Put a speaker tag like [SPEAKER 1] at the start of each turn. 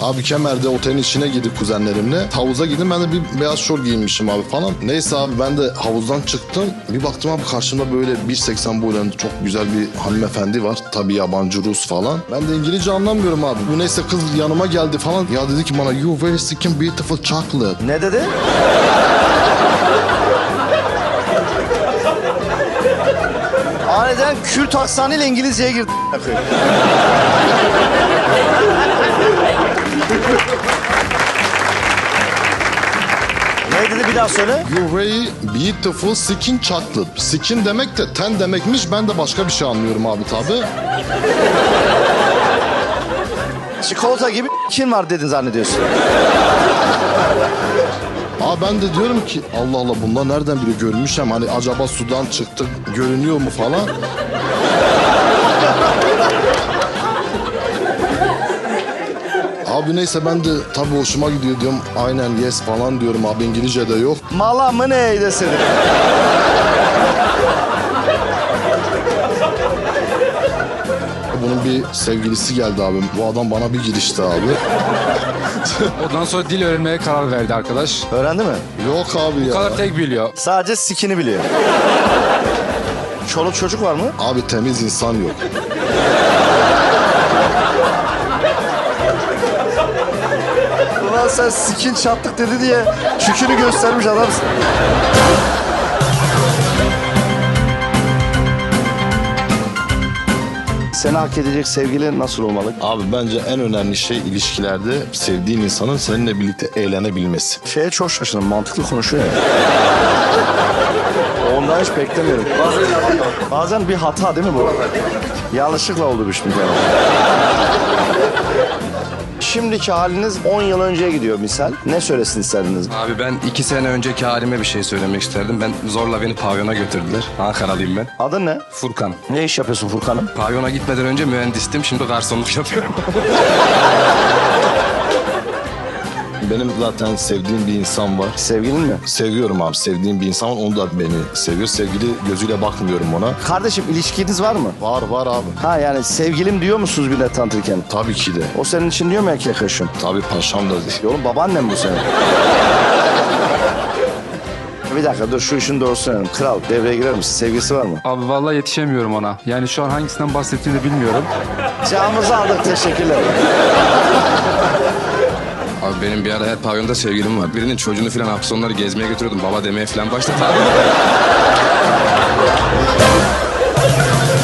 [SPEAKER 1] Abi Kemer'de otelin içine girdik kuzenlerimle. Havuza gittim, ben de bir beyaz şort giymişim abi falan. Neyse abi ben de havuzdan çıktım. Bir baktım abi karşımda böyle 1.80 boylarında çok güzel bir hanımefendi var. Tabii yabancı Rus falan. Ben de İngilizce anlamıyorum abi. Bu neyse kız yanıma geldi falan. Ya dedi ki bana you very skin beautiful chocolate.
[SPEAKER 2] Ne dedi? Aniden Kürt aksanıyla İngilizceye girdi. Ne dedi, bir daha söyle.
[SPEAKER 1] You very beautiful skin chocolate. Skin demek de ten demekmiş. Ben de başka bir şey anlıyorum abi tabii.
[SPEAKER 2] Çikolata gibi kim var dedin zannediyorsun.
[SPEAKER 1] Abi ben de diyorum ki Allah Allah bunlar nereden biri görmüşüm. Hani acaba sudan çıktık görünüyor mu falan. Abi neyse ben de tabii hoşuma gidiyor diyorum. Aynen yes falan diyorum abi, İngilizce de yok.
[SPEAKER 2] Mala mı ne desin?
[SPEAKER 1] Bunun bir sevgilisi geldi abi. Bu adam bana bir girişti abi.
[SPEAKER 3] Ondan sonra dil öğrenmeye karar verdi arkadaş.
[SPEAKER 2] Öğrendi mi?
[SPEAKER 1] Yok abi
[SPEAKER 3] Bu
[SPEAKER 1] ya.
[SPEAKER 3] kadar tek biliyor.
[SPEAKER 2] Sadece sikini biliyor. Çoluk çocuk var mı?
[SPEAKER 1] Abi temiz insan yok.
[SPEAKER 2] Ulan sen sikin çattık dedi diye çükünü göstermiş adamsın. Seni hak edecek sevgili nasıl olmalı?
[SPEAKER 1] Abi bence en önemli şey ilişkilerde sevdiğin insanın seninle birlikte eğlenebilmesi.
[SPEAKER 2] Şeye çok şaşırdım, mantıklı konuşuyor ya. Ondan hiç beklemiyorum. Bazen bir hata değil mi bu? Yanlışlıkla oldu bir şey. Şimdiki haliniz 10 yıl önceye gidiyor misal. Ne söylesin isterdiniz?
[SPEAKER 4] Abi ben 2 sene önceki halime bir şey söylemek isterdim. Ben zorla beni pavyona götürdüler. Ankaralıyım ben.
[SPEAKER 2] Adın ne?
[SPEAKER 4] Furkan.
[SPEAKER 2] Ne iş yapıyorsun Furkan'ım?
[SPEAKER 4] Pavyona gitmeden önce mühendistim. Şimdi garsonluk yapıyorum.
[SPEAKER 1] Benim zaten sevdiğim bir insan var.
[SPEAKER 2] Sevgilin mi?
[SPEAKER 1] Seviyorum abi, sevdiğim bir insan var. Onu da beni seviyor. Sevgili gözüyle bakmıyorum ona.
[SPEAKER 2] Kardeşim ilişkiniz var mı?
[SPEAKER 1] Var abi.
[SPEAKER 2] Ha yani sevgilim diyor musunuz bir de tanıtırken?
[SPEAKER 1] Tabii ki de.
[SPEAKER 2] O senin için diyor mu erkek kaşım?
[SPEAKER 1] Tabii paşam da değil.
[SPEAKER 2] Oğlum babaannem bu senin. Bir dakika dur şu işin doğrusunu öğrenelim. Kral devreye girer misin? Sevgisi var mı?
[SPEAKER 3] Abi vallahi yetişemiyorum ona. Yani şu an hangisinden bahsettiğini de bilmiyorum.
[SPEAKER 2] Camımızı aldık, teşekkürler.
[SPEAKER 4] Abi benim bir ara her pavyonda sevgilim var. Birinin çocuğunu falan hafta sonları gezmeye götürüyordum. Baba demeye falan başladı abi.